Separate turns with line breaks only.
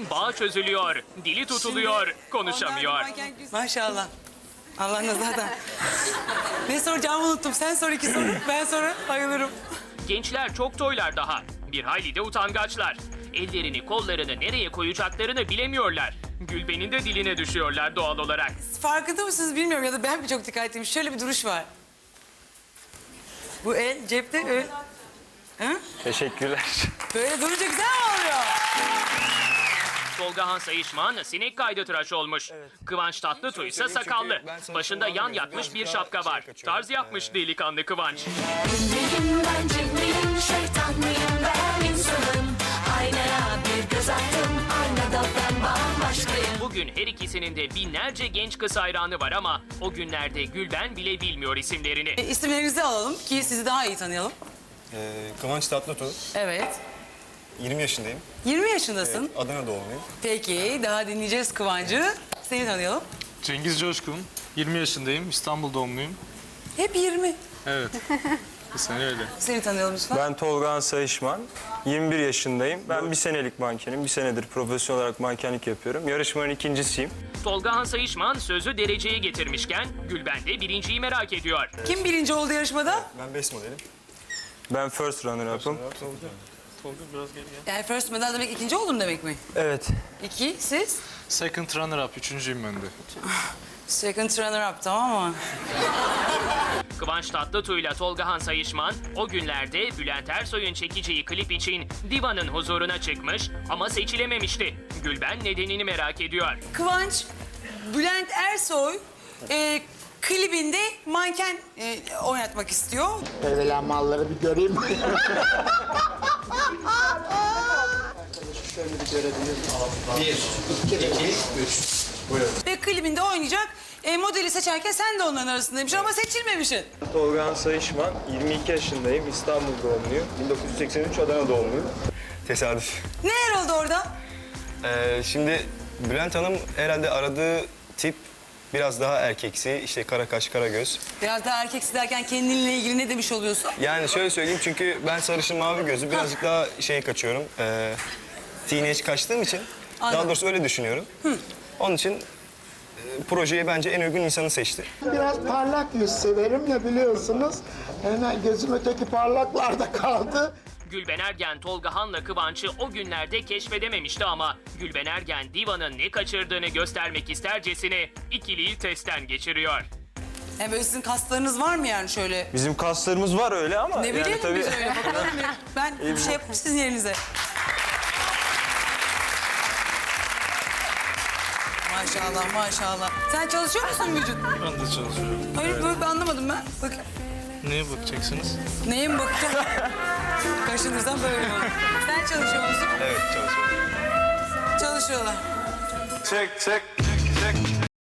Bağ çözülüyor, dili tutuluyor, konuşamıyor.
Maşallah. Allah nazardan. Ne soracağımı unuttum. Sen sor 2 soru, ben sonra bayılırım.
Gençler çok toylar daha. Bir hayli de utangaçlar. Ellerini, kollarını nereye koyacaklarını bilemiyorlar. Gülben'in de diline düşüyorlar doğal olarak.
Farkında mısınız bilmiyorum ya da ben mi çok dikkatliyim. Şöyle bir duruş var. Bu el cepte öyle. Ha?
Teşekkürler.
Böyle durunca güzel mi oluyor?
Tolga Han Sayışman sinek kaydı tıraş olmuş. Kıvanç Tatlıtuğ ise sakallı. Başında yan yatmış bir şapka var. Tarz yapmış delikanlı Kıvanç.
Cimriyim ben cimriyim, şeytan mıyım ben insanım. Aynaya bir göz attım, aynada ben bambaşkayım.
Bugün her ikisinin de binlerce genç kız hayranı var ama o günlerde Gülben bile bilmiyor isimlerini.
İsimlerinizi alalım ki sizi daha iyi tanıyalım.
Kıvanç Tatlıtuğ.
Evet.
20 yaşındayım.
20 yaşındasın.
Adana doğumluyum.
Peki daha dinleyeceğiz Kıvancı. Seni tanıyalım.
Cengiz Coşkun, 20 yaşındayım, İstanbul doğumluyum.
Hep 20.
Evet, bu sene öyle.
Seni tanıyalım lütfen.
Ben Tolga Sayışman, 21 yaşındayım. Ben bir senelik mankenim, bir senedir profesyonel olarak mankenlik yapıyorum. Yarışmanın ikincisiyim.
Tolga Han Sayışman sözü dereceye getirmişken Gülben de birinciyi merak ediyor.
Kim birinci oldu yarışmada?
Ben best modelim.
Ben first runner-up'ım.
Tolga biraz gel ya.
Yani first medal demek ikinci oldum demek mi?
Evet.
2, siz?
Second runner-up, üçüncüyüm ben de.
Second runner up, tamam mı?
Kıvanç Tatlıtuğ ile Tolga Han Sayışman o günlerde Bülent Ersoy'un çekeceği klip için Diva'nın huzuruna çıkmış ama seçilememişti. Gülben nedenini merak ediyor.
Kıvanç, Bülent Ersoy klibinde manken oynatmak istiyor.
Evvela malları bir göreyim.
Ve klibinde oynayacak. Modeli seçerken sen de onların arasındaymışsın ama seçilmemişsin.
Tolga Sayışman, 22 yaşındayım, İstanbul doğumluyum. 1983 Adana doğumluyum.
Tesadüf.
Neler oldu orada?
Şimdi Bülent Hanım herhalde aradığı tip biraz daha erkeksi. İşte kara kaş, kara göz.
Biraz daha erkeksi derken kendinle ilgili ne demiş oluyorsun?
Yani şöyle söyleyeyim çünkü ben sarışın mavi gözü birazcık daha kaçıyorum. Teenage kaçtığım için. Daha
Anladım.
doğrusu öyle düşünüyorum. Onun için projeye bence en uygun insanı seçti.
Biraz parlak yüz severim ya biliyorsunuz. Hemen gözüm öteki parlaklarda kaldı.
Gülben Ergen Tolga Han'la Kıvanç'ı o günlerde keşfedememişti ama Gülben Ergen Diva'nın ne kaçırdığını göstermek istercesine ikiliyi testten geçiriyor.
Yani böyle sizin kaslarınız var mı yani şöyle?
Bizim kaslarımız var öyle ama
Ne bileyim
yani tabii...
biz öyle bakalım. Ben bir şey yapayım sizin yerinize. Maşallah maşallah. Sen çalışıyor musun vücut?
Ben de çalışıyorum.
Hayır böyle anlamadım ben. Bak
Neye bakacaksınız?
neye mi bakacağım? Kaşınırsam böyle olur. Sen çalışıyor musun?
Evet, çalışıyorum.
Çalışıyorlar.
Çek, çek, çek.